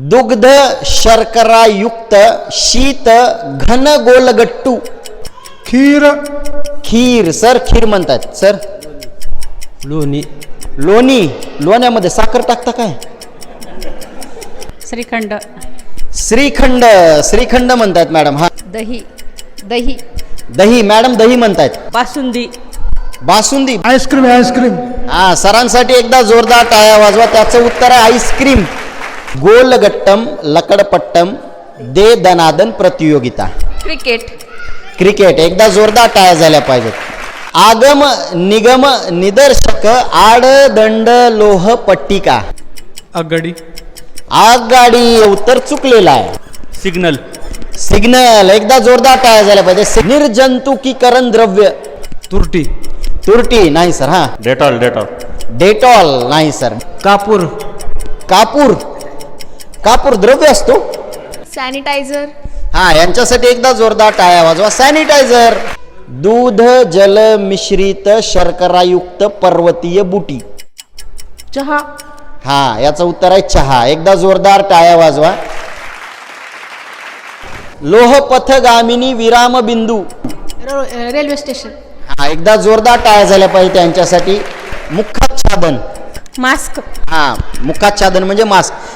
दुग्ध शर्करायुक्त शीत घन गोलगट्टू. खीर. खीर सर, खीर म्हणतात सर. लोणी. लोणी, लोण्यामध्ये साखर टाकता काय? श्रीखंड. श्रीखंड, श्रीखंड म्हणतात मॅडम. हा, दही. दही. दही मॅडम, दही म्हणतात. बासुंदी. बासुंदी. आईस्क्रीम. आईस्क्रीम. हा, सरांसाठी एकदा जोरदार टाळ्या वाजवा. त्याचं उत्तर आहे आईस्क्रीम. गोलगट्टम लकडपट्टम दे दनादन प्रतियोगिता. क्रिकेट. क्रिकेट, एकदा जोरदार टाळ्या झाल्या पाहिजेत. आगम निगम निदर्शक आडदंड लोह पट्टिका. आगगाडी. आगगाडी, उत्तर चुकलेलं आहे. सिग्नल. सिग्नल, एकदा जोरदार टाळ्या झाल्या पाहिजे. निर्जंतुकीकरण द्रव्य. तुरटी. तुरटी नाही सर. हा, डेटॉल. डेटॉल. डेटॉल नाही सर. कापूर. कापूर, कापूर द्रव्य असतो. सॅनिटायझर. हा, यांच्यासाठी एकदा जोरदार टाळ्या वाजवा. सॅनिटायझर. दूध जल मिश्रित शर्करायुक्त पर्वतीय बुटी. चहा. हा, याचं उत्तर आहे चहा. एकदा जोरदार टाळ्या वाजवा. लोहपथगामिनी विराम बिंदू. Railway station. हा, एकदा जोरदार टाळ्या झाल्या पाहिजे त्यांच्यासाठी. मुखाच्छादन. मास्क. हा, मुखाच्छादन म्हणजे मास्क.